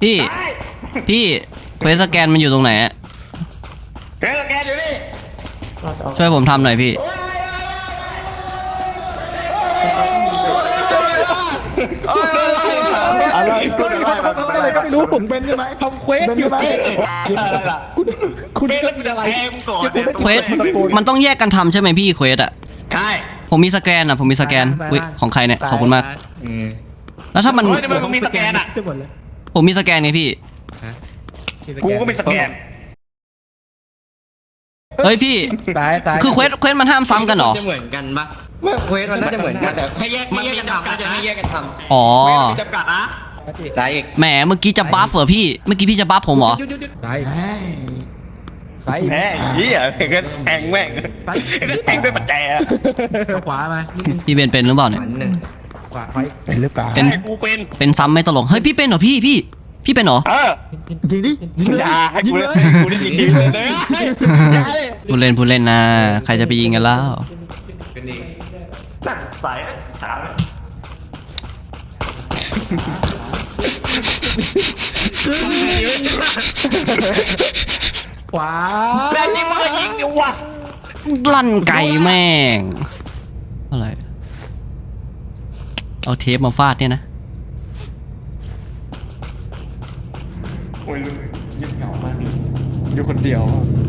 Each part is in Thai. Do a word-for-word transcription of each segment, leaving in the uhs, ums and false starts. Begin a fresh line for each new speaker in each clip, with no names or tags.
พี่พี่เควสสแกนมันอยู่ตรงไหนอะ
เควสสแกนอยู่นี่
ช่วยผมทำหน่อยพี่
อะไรอะไรก็ไม่รู้ผมเป็นใช่ไหมทำเควสอยู่ไหมคุณคุณเล่นอะไร
เควสมันต้องแยกกันทำใช่ไหมพี่เควสอะ
ใช่
ผมมีสแกนอะผมมีสแกนของใครเนี่ยขอบคุณมากแล้วถ้ามัน
มึงมีสแกนอะ
ผมมีสแกนไงพี่
กูก็มีสแกน
เฮ้ยพี่คือเควสเควสมันห้ามซ้ำกันเหรอ
จะเหมือนกันปะเมื่อเควสมันน่าจะเหมือนกันแต่ให้แยกให้แยกกันทำน่าจะให้แยกกันทำ
อ๋อ
มีจำกัดนะ
ได้อีก
แหมเมื่อกี้จะบัฟเหรอพี่เมื่อกี้พี่จะบัฟผมเหรอ
ได้
ไปแม่ยี่อ่ะเงินแทงแม่งแทงด้วยปัจจัยอ่ะ
ขวามา
พี่เป็นเป็นหรือเปล่าเนี่ย
ขวาเป็นหรือเปล่า
เป็น
กูเป็น
เป็นซ้ำไม่ตลกเฮ้ยพี่เป็นเหรอพี่พี่พี่เป็นเหรอ
เออ
จริงดิ
อย่าให้กูเล่นกูเล่นยิงเลยนะ
พูดเล่นพูดเล่นนะใครจะไปยิงกันแล้ว
เป็นเองตัดสายสาม
ขวา
แม่ยิงมายิงเดี๋ยววะ
ลั่นไก่แม่งอะไรเอาเทปมาฟาดเนี่ยนะ
โอ้ยยิ่งเหงามากอยู่คนเดียว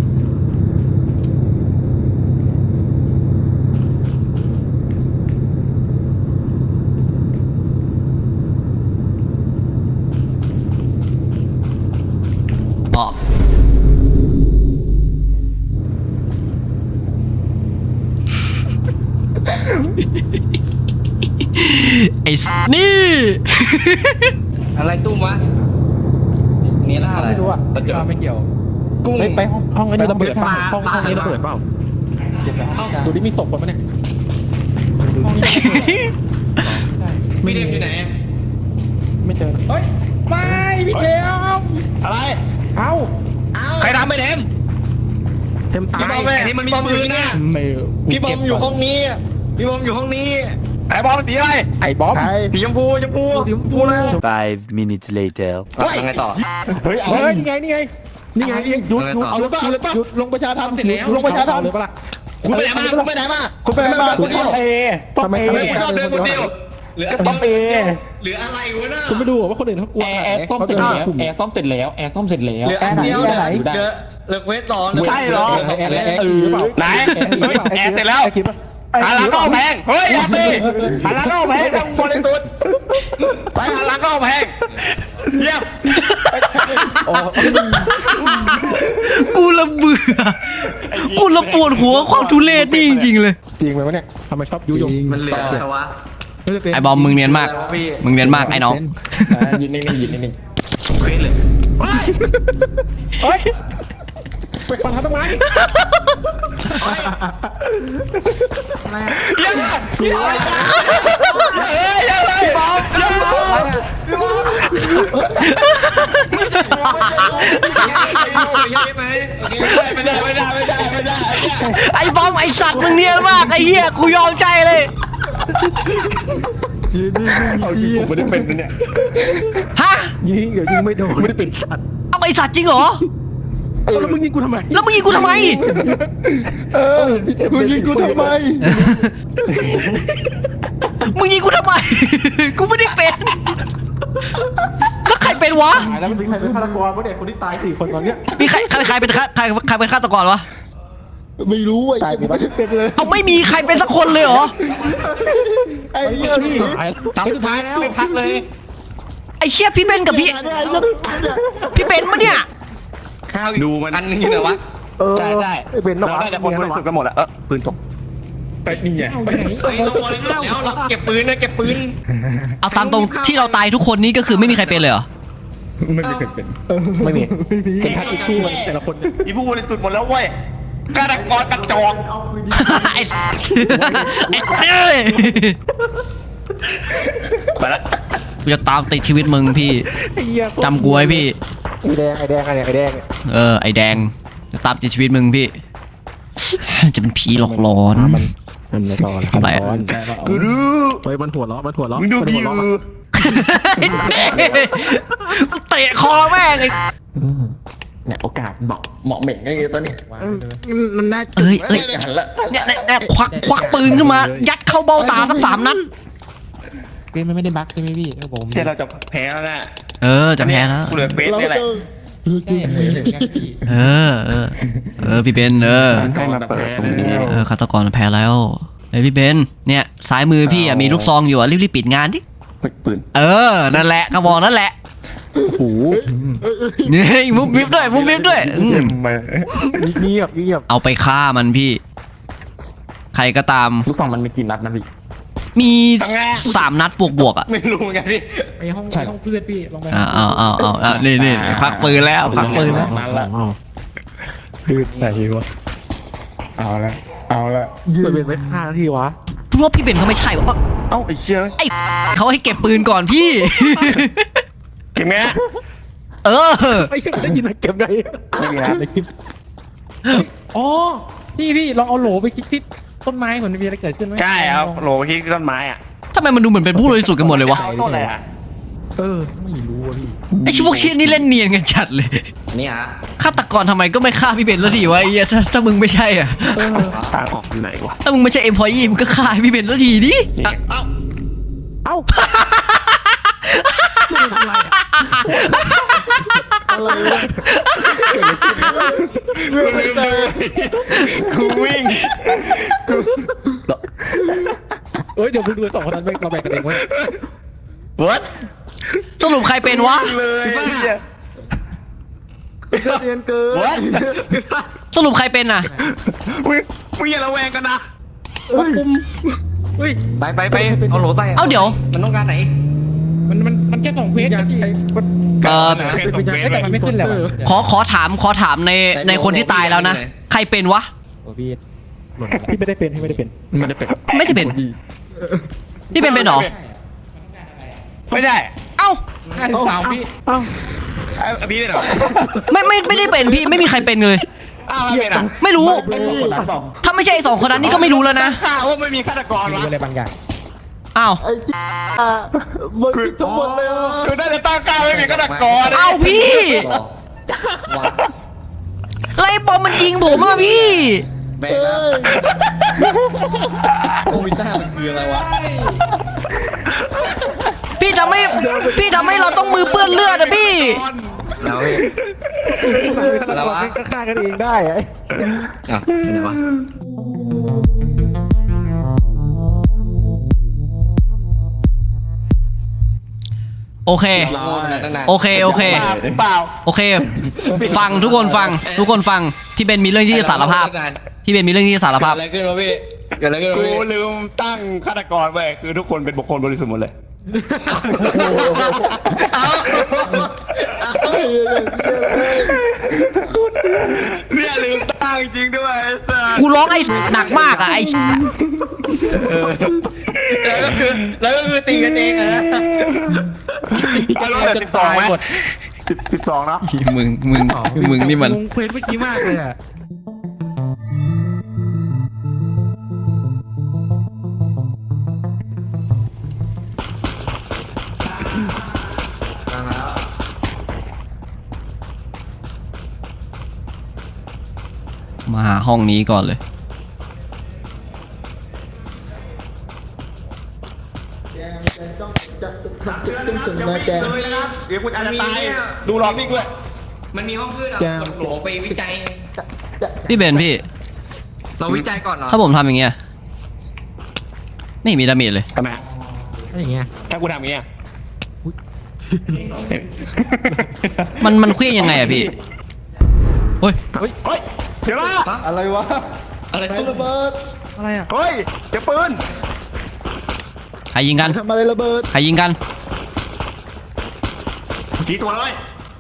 อ๋อไอ้นี่
อะไรตุ้มวะนี่ละอะไร
ไม่รู้อ่ะเจอไม่เกี่ยวกุ้งไปห้องห้องนี้ระเบิดห้องห้องนี้ระเบิดเปล่าดูดิมีศพคนปะเนี่ย
พี่เดมอยู่ไหน
ไม่เจอเฮ้ยไม่พี่เดม
อะไร
เอ้า
ใครทำไปเดม
เต็มตาย
ไอ้นี่มันมีปืนนะพี่บอมอยู่ห้องนี้พี่บอมอยู่ห้องนี้ไอ้บอมสีอะไร
ไอ้บอม
สีชมพูชมพู
สีชมพูเลย
Five minutes later
ยังไงต่อ
เฮ้ยเฮ้ยนี่ไงนี่ไงนี่ไงหยุดหยุดเอาเลยป่ะเอาเลยป่ะหยุดลงประชาธรรมเสร็จแล้วลงประชาธรรมเลยป่ะล่ะ
คุณไปไหนมาคุณไปไหนมา
คุณไปไหนมาคุณต้องเอ
ทำไมคุณเดินคนเดียว
หรือ
ต้องเอ
หรืออะไรวะน่ะ
คุณไม่ดูว่าคนอื่นเขากลัวแอร์ซ่อมเสร็จแล้วแอร์ซ่อมเสร็จแล้วแอร์ซ่อมเสร็จแล้ว
หรืออันเดียวไหนเยอะเลิกเวทต่อ
ใช่หรอ
แอร์แอร์หรือเปล่า
ไหนแอร์เสร็จแล้วหาร้านข้าวแพงเฮ้ยอย่าตีหาร้านข้าวแพงต้องบริสุทธิ์ไปหาร้านข้าวแพงเยี่ยม
กูละเบื่อกูละปวดหัวความทุเรศนี่จริงๆเลย
จริงไหมวะเนี่ยทำไมชอบยุยง
มันเหลือแต่ว่า
ไอ้บอมมึงเนียนมากมึงเนียนมากไอ้น้อง
ยินนิ่งๆยินนิ่ง
ๆเคยเลยเฮ้ย
ไปฟังทำไม
ยังไงยังไงยังไงบอมยังไงบอมไม่ได้ไม่ได้ไม่ได้ไม่ได้
ไอ้บอมไอ้สัตว์มึงเนียนมากไอ้เหี้ยกูยอมใจเลย
เอาจริงผมไม่ได้เป็นนะเนี่ย
ฮะ
ยิงเดี๋ยวยิงไม่โดนไม่ได้เป็นสัตว์
เอาไอ้สัตว์จริงเหรอ
แล้วมึงยิงกูทำไม
แล้วมึงยิงกูทำไม
เออมึงยิงกูทำไม
มึงยิงกูทำไมกูไม่ได้เป็นแล้วใครเป็นวะ
แล้วมันมีใครเป็นฆาตกรวะเนี่ยคนที่ตายสี่คนตอนเนี้ย
มีใครใครใครเป็นใครใครใครเป็นฆาตกรวะ
ไม่รู้ไอ้ตายไม่เป็นเลย
เอาไม่มีใครเป็นสักคนเลยเหรอ
ไอ้เหี้ยพี่ตายสุดท้ายแล้ว
พักเลย
ไอ้เชี่ยพี่เบนกับพี่พี่เบนมะเนี่ย
ดูมัน
อันนึงอยู่ไหนวะ
ใช่ใช่
เป็นเรา
ได้แต่คนบริสุทธิ์กันหมดแล้วเออปืนตกไปนี่ไง
ไปเราบริสุทธิ์แล้วเราเก็บปืนนะเก็บปืน
เอาตามตรงที่เราตายทุกคนนี้ก็คือไม่มีใครเป็นเลยเหรอ
ไม่มีใครเป็นไม่มีเป็นทักซี่มันแต่ละคน
อีผู้บริสุทธิ์หมดแล้วเว้ยฆาตกรกระจอก
ไอ้
ไปละ
กูจะตามติดชีวิตมึงพี่จำกูไว้พี่
ไอ้แดงไอ้แดงไอ้แดงไอ้แดง
เออไอ้แดงจะตามติดชีวิตมึงพี่จะเป็นผีหลอกหลอน
มันไม่ต่อแล้วอะไรกูรู้เฮ้ยมันหัวเราะมันหัวเราะ
มึงดูผี
กูเตะคอแม่งไอ้
เนี่ยโอกาสบอกเหมาะเหม่งไอ้ตัวนี้
มันน่า
เอ้ยเอ้ย
หันละ
เนี่ยเนี่ยเนี่ยควักควักปืนขึ้นมา ยัดเข้าเบ้าตาสักสามนัด
เกมมันไม่ได้บั๊กใช่ไหมพี่ผม
เดี๋ยวเราจะแพ้แล้วนะ
เออจะแพ้แล้ว
กูเหลือเบสนี่แหละ
ใช่เหมือนกันพี่
เออเออเออพี่เบนเออ
ให้มาเปิดตรงนี้
เออฆาตกรแพ้แล้วเฮ้ยพี่เบนเนี่ยซ้ายมือพี่อ่ะมีลูกซองอยู่อ่ะรีบๆปิดงานดิ
ปืน
เออนั่นแหละกระบอกนั่นแหละ
โอ้โห
นี่มุกวิบด้วยมุกวิบด้วยอืม
มา
เงียบเงียบ
เอาไปฆ่ามันพี่ ใครก็ตาม
ลูกซองมันมีกี่นัดนะพี่
มีสามนัดบวกบวกๆอ่ะ
ไม่รู้เหมือนกันพี่
ไปห้องไปห้องเพื่อนพี่ลองไป
อ้าวอ้าวอ้าวอ้าวนี่นี่ควักปืนแล้วควักปืนแล้ว
นั่นละคือไหนวะเอาละเอาละยืนเป็นไม่ฆ่าที่วะ
เพราะว่าพี่เบนเขาไม่ใช่วะ
เอ้าไอ้เชี่ย
ไอ้เขาให้เก็บปืนก่อนพี่
เก็บไหม
เออ
ไม่ได้ยินเก็บได้ไม่มีนะในคลิปอ๋อพี่พี่ลองเอาโหลไปคลิกที่ต้นไม้เหมือนมีอะไรเกิดขึ้นไหม
ใช่ครับโหลที่ต้นไม้อ่ะ
ทำไมมันดูเหมือนเป็นผู้บริสุทธิ์กันหมดเลยวะ
ต้นอะไรอ่ะ
เออไม่รู้อะพี่
ไอ้ชิพวกเชียนี่เล่นเนียนกันจัดเลย
นี่ฮะ
ฆาตกรทำไมก็ไม่ฆ่าพี่เบนแล้วทีวะไอ้เหี้ยถ้าถ้ามึงไม่ใช่อ่ะ
ทางออกอยู่ไหนวะ
ถ้ามึงไม่ใช่เอ็มพอยี่มึงก็ฆ่าพี่เบนแล้วทีดิ
นี่เอ้า
เอ้า
กูวิ่ง
เอ้ยเดี๋ยวมึงดูสองคนนั้นไปเราแบ่งกันเองเว้ย
วัด
สรุปใครเป็นวะ
เลยเนี่ย
เรียนเกิน
วัด
สรุปใครเป็นอ่ะ
มึงมึงอย่าระแวงกันนะ
คุมเฮ้ย
ไปไปไปเอาโหลไป
เอาเดี๋ยว
มันต้องการไหน
มันมันมันแค่สองเพจกันพี่
เอ่อ
แค่ส่งเบส
แต่มันไม่ขึ้นแล้ว
ขอขอถามขอถามในในคนที่ตายแล้วนะ ใครเป็นวะ
โอ้พี่หล่นพี่ไม่ได้เป็นพี่ไม่ได้เป็นไม่ได้เป็น
ไม่ได้เป็น พี่เป็นเป็นเหรอ
ไม่ได้
เอ้า
ใช่สาวพี่
เอ้าพี่เป็นเหรอ
ไม่ไม่ไม่ได้เป็นพี่ไม่มีใครเป็นเลย
อ้าวเป็นอ่ะ
ไม่รู้
ไม่รู้คนนั้นบอก
ถ้าไม่ใช่ไอ้สองคนนั้นนี่ก็ไม่รู้แล้วนะ
ข้าว่าไม่มีฆาตกร
มี
วะ
อะไรบางอย่าง
อ้าว
คือทั้งหมดเลยคือน่าจะตั้งกล้าไม่มีฆาตกร
เอาพี่
ว้า
ไล่บอมมันยิงผมอะพี่
แบกแล้วโควิดหน้ามันคืออะไรวะ
พี่ทำให้พี่ทำให้เราต้องมือเปื้อนเลือดอะพี่
แล้วแล้ววะ
ก็ฆ่ากันเองได้ไอ้
อ่ะไหนวะ
โอเค
รอมาตั้งนาน
โอเคโอเค
เปล่า
โอเค ฟังทุกคนฟัง ทุกคนฟัง พี่เบนมีเรื่องที่จะสารภาพ พี่เบนมีเรื่องที่จะสารภาพ
เกิดอะไรขึ้นวะพี่เกิดอะไรขึ้นวะ
กู
พี่
ลืมตั้งฆาตกรไปคือทุกคนเป็นบุคคลบริสุทธิ์หมดเลย เนี่ยลืมตั้งจริงด้วยไอ้สัส
กูร้องไอ้หนักมากอะไอ้
แล้วก็คือแล้วก็คือตีกันเองอะนะ
เอารถแบบสิบสองไหมสิบสิบสองเนาะ
มึงมึงมึงนี่มัน
งงเควสเมื่อกี้มากเลยอ่ะ
มาหาห้องนี้ก่อนเลย
เลยนะครับ
เดี๋ยวคุณอาจจะตายดูรอบนี้ด้วย
มันมีห้องพืชอ่ะกดโหลไปวิจัย
พี่เบนพี่
เราวิจัยก่อนเหรอ
ถ้าผมทำอย่างเงี้ยไม่มีดาเมจเลย
ทำไม
อะไรอย่างเงี้ย
ถ้ากูทำอย่างเงี้ย
มันมันเคลื่อนยังไงอะพี่เฮ้ย
เฮ้ยเฮ้ยเดี๋ยวนะ
อะไรวะอะไรตู้ระเบิด
อะไรอ่ะ
เฮ้ยเดี๋ยวปืน
ใครยิงกัน
ทำอะไรระเบิด
ใครยิงกัน
จีตัวเลย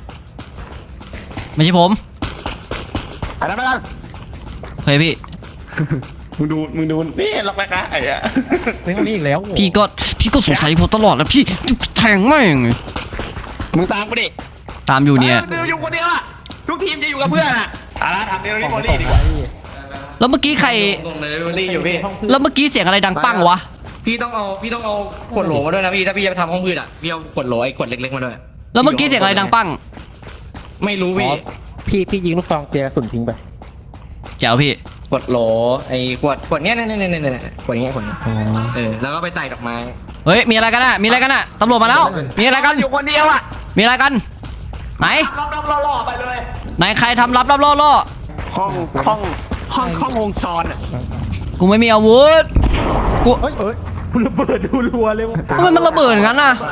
ไม่ใช่ผม
อะไรไม่ได้
โอเคพี่
มึงดูมึงดูนี่ล็อกแรกนะไอ้อะ
เรื่องนี้อีกแล้ว
พี่ก็พี่ก็สงสัยผมตลอดแล้วพี่แทงแม่ง
มึงตามกูดิ
ตามอยู่เนี่ย
เดี๋ยวอยู่คนเดียวอะทุกทีมจะอยู่กับเพื่อนอะอะไรทำเดี๋ยวนี้โมลี่ดีกว่า
แล้วเมื่อกี้ใคร
ตรงเลย
โมลี่อยู่พี่
แล้วเมื่อกี้เสียงอะไรดังปั้งวะ
พี่ต้องเอาพี่ต้องเอาขวดโหลมาด้วยนะพี่ถ้าพี่จะทำห้องพืชอ่ะพี่เอาขวดโหลไอ้ขวดเล็กๆมาด้วย
แล้วเมื่อกี้เสียงอะไรดังปั้ง
ไม่รู้พี่
พี่พี่ยิงลูกซองเจียกระสุนทิ้งไป
แจ๋วพี่
ขวดโหลไอ้ขวดขวดเนี้ยเนี่ยเนี่ยเนี่ยเนี่ยขวดเนี้ยขวดเนี้ยเออแล้วก็ไปใส่ดอกไม้
เฮ้ยมีอะไรกันอะมีอะไรกันอะตำรวจมาแล้ว มีอะไรกัน
อยู่คนเดียวอ่ะ
มีอะไรกัน ไหน
รอบๆล่อๆไปเลย
ไหนใครทำรับรับล่อล่อ
ห้องห้องห้องห้องวงจรอ่ะ
กูไม่มีอาวุธกู
เฮ้ยเฮ้ยคุณระเบิดดูรัวเลยวะ
ทำไมมันระเบิดงั้นน่ะ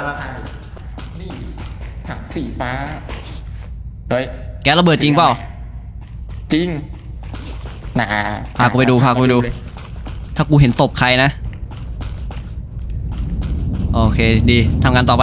ถังสีฟ้า เฮ้ย
แกระเบิดจริงเปล่า
จริงน่า
พากูไปดูพากูไปดู ถ้ากูเห็นศพใครนะ โอเคดีทำงานต่อไป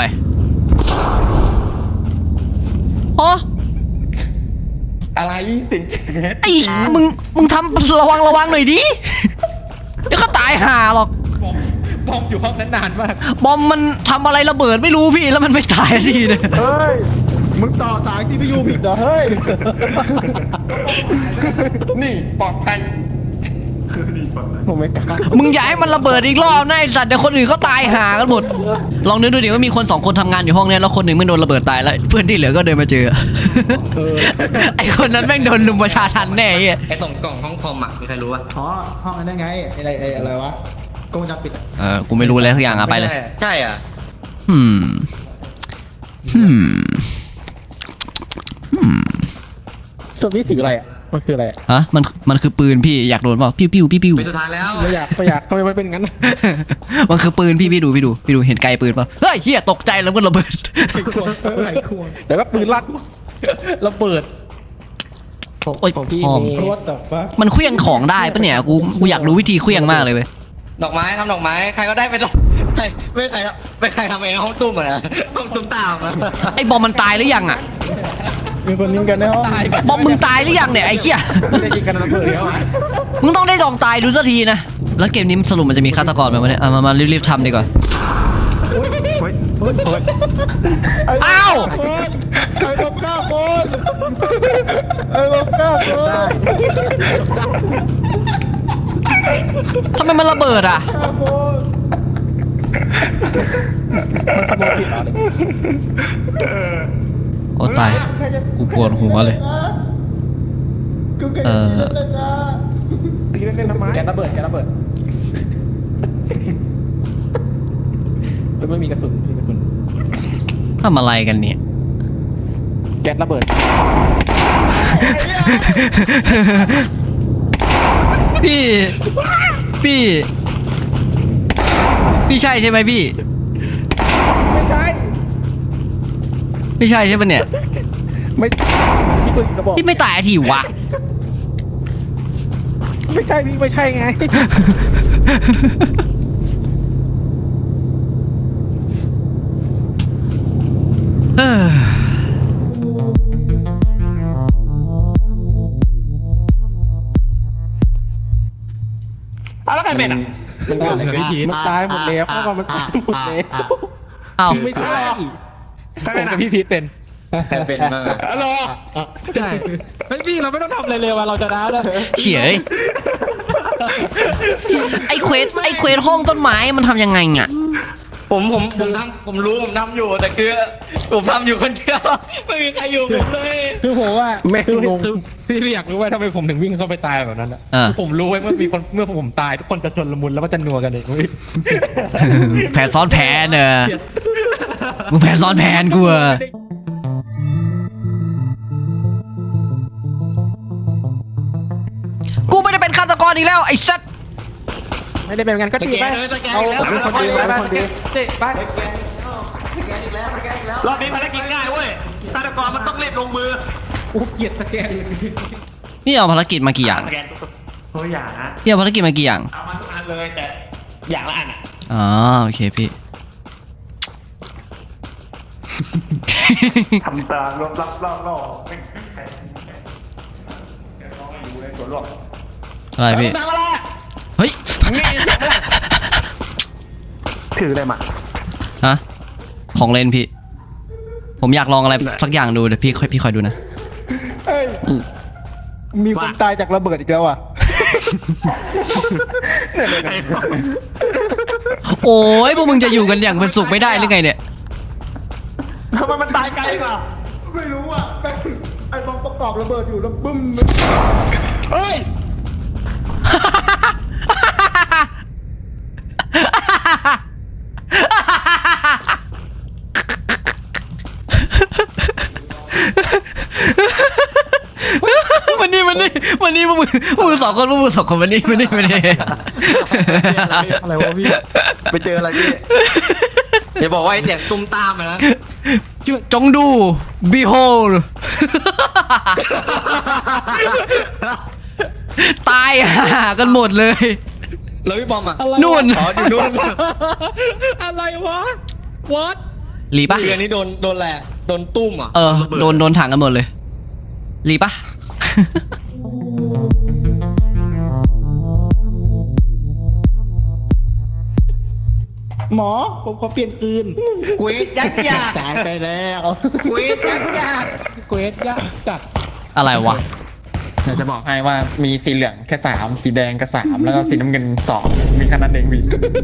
โอ้
อะไรสิง
ไอ้มึงมึงทำระวังระวังหน่อยดิ เดี๋ยวก็ตายห่าหรอก
บอมอยู่ห้องนั้นนานมาก
บอมมันทำอะไรระเบิดไม่รู้พี่แล้วมันไม่ตายทีเนี่ย
เฮ้ยมึงต่อสายที่พี่ยูผิดเหรอเฮ้ย
นี่ปลอดภัย
ผมไม่กล้า
มึงอย่าให้มันระเบิดอีกรอบนะไอ้สัตว์เดี๋ยวคนอื่นเขาตายห่ากันหมด ลองนึกดูดิว่ามีคนสองคนทำงานอยู่ห้องเนี้ยแล้วคนหนึ่งไม่โดนระเบิดตายแล้วเพื่อนที่เหลือก็เดินมาเจอ ไอ้คนนั้นแม่งโดนลุมประชาทันแน่ไอ้เหี้ย
ไอ้ตรงกล่องห้องคอมอ่ะมีใครรู้ป่ะ
อ๋อห้องนั้นไงอะไรไอ้อะไรวะกล้องวงจรปิดอะ
เออกูไม่รู้เลยทุกอย่างอะไปเลย
ใช่อ่ะ
อืมอืมอืม
ส่วนนี้ถืออะไรอ่ะมันคืออะไรอะ
ฮะมันมันคือปืนพี่อยากโดนเปล่าปิ้วปิ้วปิ้วปิ้ว
เป็นสุดท้ายแล้ว
ไม่อยากไม่อยากทำไมมันเป็นงั้น
มันคือปืนพี่พี่ดูพี่ดูพี่ดูเห็นไกลปืนเปล่าเฮ้ยเฮียตกใจแล้วก็ระเบิด
ไขควงเดี๋ยวก็ปืนลั่นระเบิด
โอ้ย
ของพี่
ห้อง
มี
รถแต่ว่า
มันเคลื่องของได้ปะเนี่ยกูกูอยากรู้วิธีเคลื่องมากเลยเว้ย
ดอกไม้ทำดอกไม้ใครก็ได้ไปดอกใครไม่ใครไม่ใครทำเองห้องตุ้มเหรอห้องตุ้มตามอะ
ไอ้บอมมันตายหรือยังอ่ะ
มีคนยิงกันในห้อง
บอมมึงตายหรือยังเนี่ยไอ้เหี้ย
ไม่ได้ยิงกันระเบิดแล้วอะ
มึงต้องได้ลองตายดูสักทีนะแล้วเกมนี้สรุปมันจะมีฆาตกรไหมวะเนี่ยเอามามารีบๆทำดีกว่าอ้าว
ไอ้ลบก้าคนไอ้ลบก้าคน
ทำไมมันระเบิดอ่ะ
ก้าคน
โอ้ตายกูปวดหัวเลย
กูเกิด
เออ
เลยนะ
ตีเล่นๆทำไมแกระเบิดแกระเบิดเฮ้ยไม่มีกระสุนไม่มีกระสุน
ทำอะไรกันเนี่ย
แก๊สระเบิด
พี่พี่พี่ใช่ใช่ไหมพี่
ไม่ใช่
ไม่ใช่ใช่ปะเนี่ย
ไม่พี่ปืนกระบอก
พี่ไม่ตายทีวะ
ไม่ใช่พี่ไม่ใช่ไง
เออ
เอาแล้วใครเป็นอ่ะ
มันเกิดอะไรขึ้น
มันตายหมดแล้วเพราะว่ามันตายหมดแล้ว
เอ้า
ไม่ใช่ผมกับพี่พีทเป็น
ใครเป็นบ้างอะ
ฮัลโหล
ใช่เฮ้ยพี่เราไม่ต้องทำอะไรเลยว่ะเราจะได้แล้ว
เฉยไอ้เควสไอ้เควสห้องต้นไม้มันทำยังไงอ่ะ
ผมผมผมทำผมรู้ผมทำอยู่แต่คือผมทำอยู่คนเดียวไม่มีใครอยู่ผมเลย
คือผมว่าแม่คืองงพี่พี่อยากรู้ว่าทำไมผมถึงวิ่งเข้าไปตายแบบนั้นอ่ะ
อ่า
ผมรู้ไว้เมื่อมีคนเมื่อผมตายทุกคนจะชนละมุนแล้วก็จะนัวกันเองเว้ย
แผนซ้อนแผนเนอะมึงแผนซ้อนแผนกูอะกูไม่ได้เป็นฆาตกรอีกแล้วไอ้สัตว์
ไม่ได้เป็นงั้นก็
ส
ดี
แก
ไป
นเลยสแกน
เอา
อีกแล้ว
เป็นคนดีไปเป็นคนดีเจ๊ไป
รอบนี้ภารกิจง่ายเว้ยฆาตกรมันต้องรีบลงมือ
กูเกลียดสแกน
นี่เอาภารกิจมากี่อย่าง
สแกนตัวอย่างนะ
พี่เอาภารกิจมากี่อย่าง
เอามาทุกอันเลยแต่อย่างละอันอ่ะ
อ๋อโอเคพี่
ทำตาลบรับรอบรอบไม่ใครน้องอยู่ในสวนหรอก
อะไรพี่
ทำอะไร
เฮ้ย
ถืออะไรมา
ฮะของเล่นพี่ ผมอยากลองอะไรสักอย่างดูเดี๋ยวพี่ค่อยพี่คอยดูนะ
เฮ้ยมีคนตายจากระเบิดอีกแล้วอ่ะ
โอ้ยพวกมึงจะอยู่กันอย่างเป็นสุขไม่ได้หรือไงเนี่ย
ทำไมมันตายไกลกว่า
ไม่รู้อ่ะแม่งไอ้บอมประกอบระเบิดอยู่แล้วบึ้ม
เฮ้ย
มันนี่มันนี่มันนี่พวกมึงพวกมึงสองคนพวกมึงสองคนมันนี่มันนี่มันนี่
อะไรวะพี่
ไปเจออะไรพี่อย่าบอกว่าไอ้เสียงตุ้มตามอะนะ
จงดู behold ตายห่ากันหมดเลย
แล้วพี่บอมอ่ะ
นู่น
อ๋ออยู่นู่น
อะไรวะ what
หลีปะ
เรือนี้โดนโดนแหละโดนตุ้มอ่ะ
เออโดนโดนถังกันหมดเลยหลีปะ
หมอผมขอเปลี่ยนคืน
ควีดยักษ์ยาก
ตายไปแล้ว
ควีดยักษ์ยาก
เกรดยากจัด
อะไรวะ
อยากจะบอกให้ว่ามีสีเหลืองแค่สามสีแดงก็สามแล้วก็สีน้ำเงินสองมีแค่นั้นเองพี่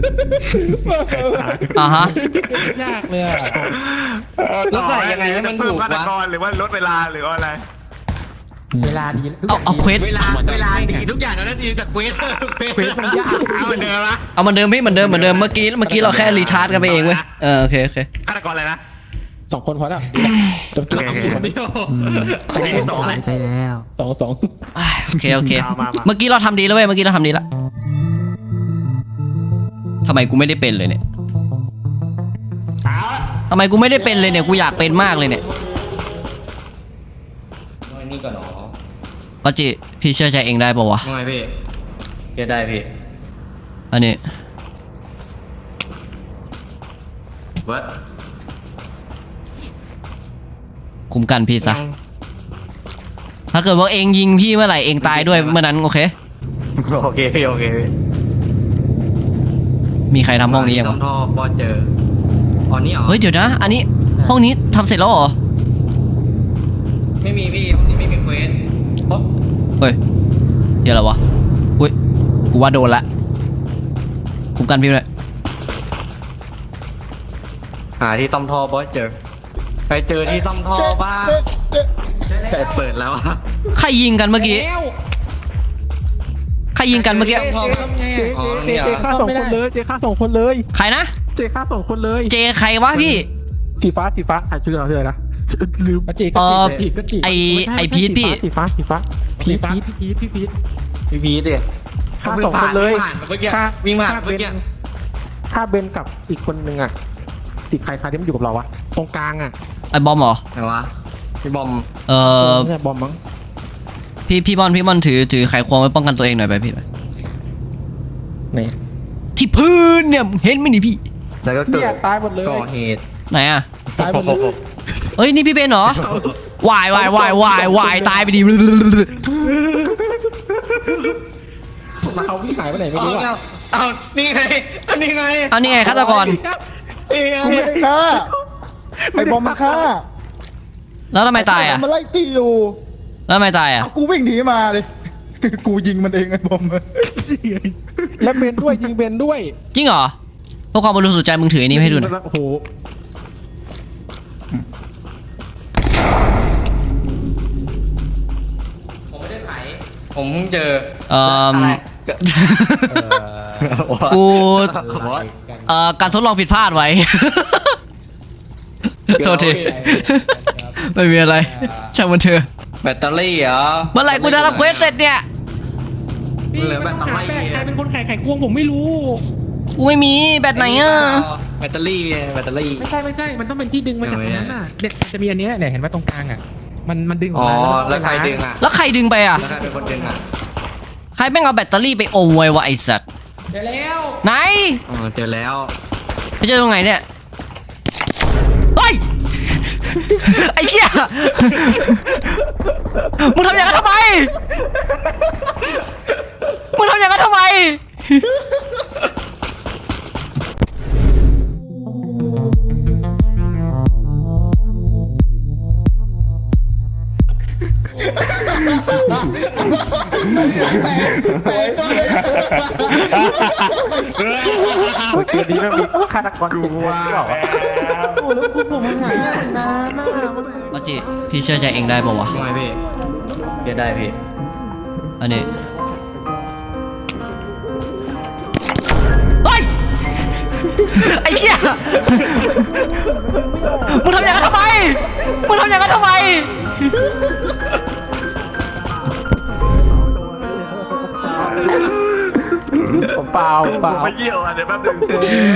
อ่าฮะ
ยากเลยอะ
แล้วใส่ยังไงให้มันถูกวะ
หรือว่าลดเวลาหรืออะไร
เวลาดี
เอาเอาเควส
เวลาเวลาดีทุกอย่างแล้วดีแต่ควีดควีดมันยากเอาเหมือนเดิมนะ
เอาเหมันเดิมพี่เหมือนเดิมเหมือนเดิมเมื่อกี้เมื่อกี้เราแค่รีชาร์จกันไปเองเว้ยเออโอเคโอเค
ฆาตกรอะไรนะ
สองคนพอแล้วจบจบคนเดียว
อันนี้สองเลย
สองสอง
อ่ะโอเคโอเค
เอามามา
เมื่อกี้เราทำดีแล้วเว้ยเมื่อกี้เราทำดีแล้วทำไมกูไม่ได้เป็นเลยเนี่ยทำไมกูไม่ได้เป็นเลยเนี่ยกูอยากเป็นมากเลยเนี่ย
น้อยนี่ก่อนหรอ
ก็จิพี่เชื่อใจเองได้ปะวะ
น้อยพี่เก็ได้พี่
อันนี้
วัด
คุ้มกันพี่ซะถ้าเกิดว่าเองยิงพี่เมื่อไหร่เองตายด้วยเมื่อนั้นโอเค
โอเคพี่โอเคพี่
มีใครทำห้องนี้ยัง
ต้
วะ
องท่อพอเจออ๋อนี่เหรอ
เฮ้ยเดี๋ยวนะ อันนี้ห้องนี้ทำเสร็จแล้วเหรอ
ไม่มีพี่ห้องนี้ไม่มีเควสปุ๊บ
เฮ้ยเดี๋ยวอะไรวะอุ้ยกูว่าโดนละคุ้มกันพี่เลย
หาที่ต้อมท่อบอสเจอไปเจอที่ต้อมท่อบ้างแต่เปิดแล้วอะ
ใครยิงกันเมื่อกี้ใครยิงกันเมื่อกี้
ต้อมท่อบ้างอ๋อ
เจ
นี่เหร
เจ
อ
ฆ่าสองคนเลยเจฆ่าสองคนเลย
ใครนะ
เจฆ่าสองคนเลย
เจใครวะพี่
สีฟ้าสีฟ้าอ่านชื่อเราชื่ออะไรนะลืมเจก็
เอ่อ
จีก็จี
ไอ้ไอ้พีทพี่
สีฟ้าสีฟ้าพีทพีทพีทพีท
พี่พีทดิ
ฆ่าสองคนเลย
วิ่งผ่านมาเมื่อกี้
ฆ่า
วิ่งผ่าน
ฆ่า
เมื่อกี้
บนฆ่าเบนกับอีกคนนึงอ่ะติดใครใครที่มันอยู่กับเราวะตรงกลางอ่ะ
ไอ้บอมเหรอ
ไหนวะพี่บอม
เอ่อ
เนี่ยบอมมั้ง
พี่พี่บอลพี่บอลถือถือไขควงไว้ป้องกันตัวเองหน่อยไปพี่ไป
นี่
ที่พื้นเนี่ยเห็นไหมนี่พี่
แล้วก็เกิ
เนี่ย
ด
ตายหมดเลย
ก่อเหตุ
ไหนอะ
ตายหมดเลย
เอ้ยนี่พี่เป็นเหรอวายวายวายวายวายตายไปดิ
มาเอาพี่หายไปไหนไม่
เอา
รู้
เอา
อ่ะ
เอานี่ไงอันนี้ไง
เอานี่ไงฆาตกร
นี่ไง
กูไม่ได้ฆ่าไอ้บอมมันฆ่า
แล้วทำไมตายอะ
มันไล่ตีอยู่
แล้วทำไมตายอะ
เอากูวิ่งหนีมาเลย กูยิงมันเองไอ้บอม
และเบนด้วยยิงเบนด้วย
จริงเหรอเพื่อความบริสุทธิ์ใจมึงถืออันนี้ให้ดูหน่อย
โอ้โห
ผมไม่ได้ไถผมเจอ
เอ่อ
อะไร
กู
วอท
เอ่อการทดลองผิดพลาดไว้ โทษทีไม่มีอะไรช่างมันเถอะ
แบตเตอรี่เหรอ
เมื่อไหร่กูจะทำเควสเสร็จเนี่ย
เหลือแบตเตอรี่
ใครเป็นคนไข่ไข่ควงผมไม่รู้
กูไม่มีแบตไหนอ่ะ
แบตเตอรี่แบตเตอรี่
ไม่ใช่ไม่ใช่ มันต้องเป็นที่ดึงมาจากตรงนั้นน่ะเด็กมันจะมีอันเนี้ยเนี่ยเห็นไหมตรงกลางอ่ะ มันมันดึงออ
อ๋
ก
อ
มา
แล้วใครดึงอ่ะ
แล้วใครดึงไปอ่ะ
แล้วใครเป็นคนดึงอ่ะ
ใครแม่งเอาแบตเตอรี่ไปอมไว้วะไอ้สัตว์
เดี๋ยวแล้ว
ไหน
อ๋อเจอแล้ว
ไปเจอตรงไหนเนี่ยเฮ้ย ไอ้เชี่ยมึงทำอย่างนั้นทำไมมึงทำอย่างนั้นทำไม
เมื่อกี้นี้มันมีฆาตกรตัวหรือเปล่าวะโอ้แล้วคุณผมมันหายนานมาก
มาจิพี่เชื่อใจเองได้ป่าวะ
ไม่พี่เดี๋ยวได้พี่
อันนี้เฮ้ยไอ้เชี่ยมึงทำอย่างนั้นทำไมมึงทำอย่างนั้นทำไม
ผมเปล่าเปล่า
ไปเยี่ยวอ่ะเดี๋ยวแป๊บนึง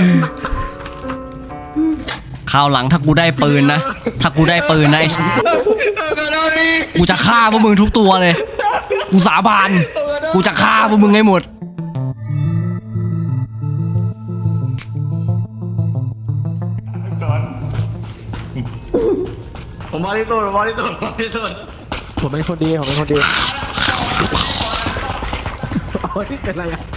คราวหลังถ้ากูได้ปืนนะถ้ากูได้ปืนนะไอ้กูจะฆ่าพวกมึงทุกตัวเลยกูสาบานกูจะฆ่าพวกมึงให้หมด
ผมบอลที่สุดผมบอลที่สุดผมบอลที่สุด
ผมเป็นคนดีผมเป็นคนดีโอ้ยเป็นไรอ่ะ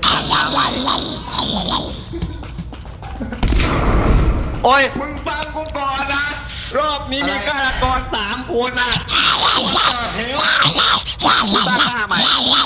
โอ้ยมึงฟังกูก่อนนะรอบนี้มีฆาตกรสามคนนะเฮ้ยมึงตั้งหน้าใหม่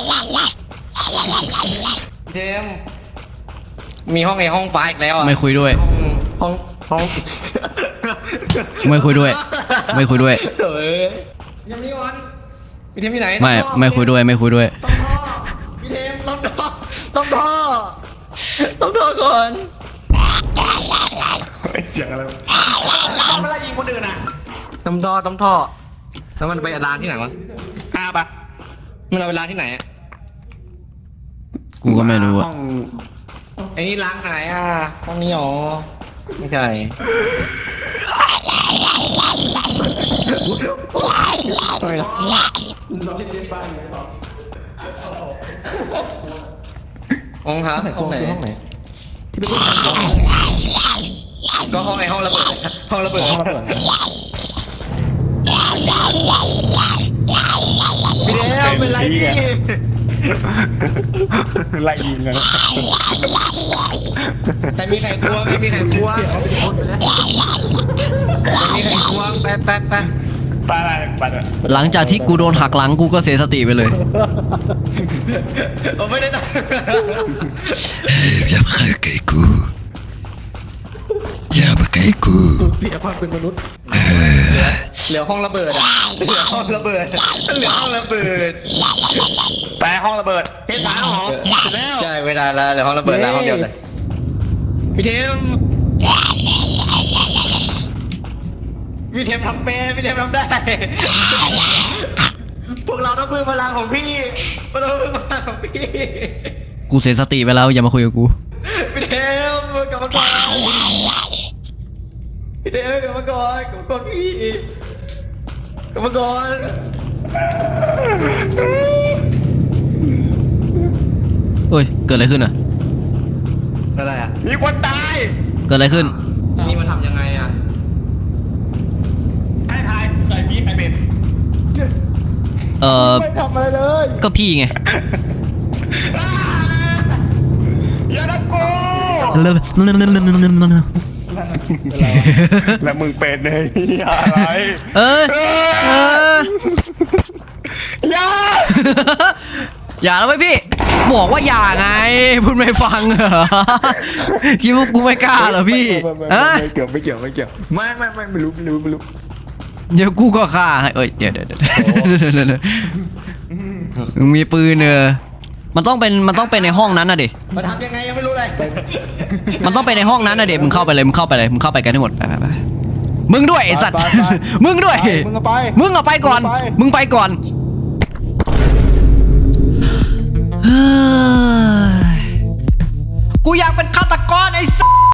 เทมมีห้องในห้องปลาอีกแล้วอ่ะ
ไม่คุยด้วย
ห้องห้อง
ไม่คุยด้วย ไม่คุยด้วย
เฮ้ยยังมีวันพี่เทมที่ไหน
ไม่ไม่คุยด้วยไม่คุยด้วย
ต้องท่อพี่เทมต้องท่อต้องท่อต้องท่อก่อน
เสียงอะไร
ทำอะไรยิงคนอื่นอ่ะต้องท่อต้องท่อแล้วมันไปร้านที่ไหนวะ
ห้าปะ
มันเอาไปร้านที่ไหนอ่ะ
กูก็ไม่รู้อะ
ห้อง
ไอ้นี่ร้านไหนอ่ะห้องนี้หรอไม่ใช่ห้องครับห้องไหน
ห้องไหน
ก็ห้องไอ้ห้องระเบิดห้องระเบิด
ห้องระเบิด
พี่เดวเป็นไรพี่
ไล่ยิงกัน
แต่มีใครกลัวไม่มีใครกลัวไม่มีใครกลัวแป๊บแป๊บแป๊บ
ไปไปไปเลย
หลังจากที่กูโดนหักหลังกูก็เสียสติไปเลย
ผมไม่ได้ตั้ง
อย่ามาใกล้กูอย่ามาใกล้กู
เสียความเป็นมนุษย์
เหลือห้องระเบิดอ่ะเหลือห้องระเบิดเหลือห้องระเบิด
ไปห้องระเบิด
เทปสามหรอเสร็จแล้วใช่เวลาแล้วเหลือห้องระเบิดแล้วห้องเดียวเลยพี่เทมพี่เทมทำเป็นพี่เทมทำได้พวกเราต้องพึ่งพลังของพี่พวกเราต้องพึ่งพลังของพี่
กูเสียสติไปแล้วอย่ามาคุยกับกู
พี่เทมกลับมาก่อนพี่เทมกลับมาก่อนกลับมาก่อนพี่กลับมาก่อน
เฮ้ยเกิดอะไรขึ้นอ่ะ
อะไรอ่ะ
มีคนตาย
เกิดอะไรขึ้น
นี่มันทำยังไงอ่ะ
ให้ทายใส่พี่ใครเป็น
เอ่อ
ไม่ทำอะไรเลย
ก็พี่ไง
อย่าดักกู
แล้ว
แล้วมึงเป็นไอ้อะไร
เอ้ยเออ
อย่า
อย่าแล้วไหมพี่ บอกว่าอย่าไงพูดไม่ฟังเหรอคิดว่ากูไม่กล้าเหรอพี่ฮะ
ไม่เกี่ยวไม่เกี่ยวไม่เกี่ยวไม่ไม่ไม่ไม่รู้ไม่รู้ไม่รู้
เดี๋ยวกูก็ฆ่าให้เอ้ยเดี๋ยวเดี๋ยวเดี๋ยวมึงมีปืนเออมันต้องเป็นมันต้องเป็นในห้องนั้นน่ะดิ
มาทำยังไงยังไม่รู้เลย
มันต้องไปในห้องนั้นนะเด็กมึงเข้าไปเลยมึงเข้าไปเลยมึงเข้าไปกันให้หมดไปไปไปมึงด้วยไอสัตว์
ไปไปไป
มึงด้วย
มึงเอาไป
มึงเอาไปก่อน
มึงเอาไป
มึงไปก่อน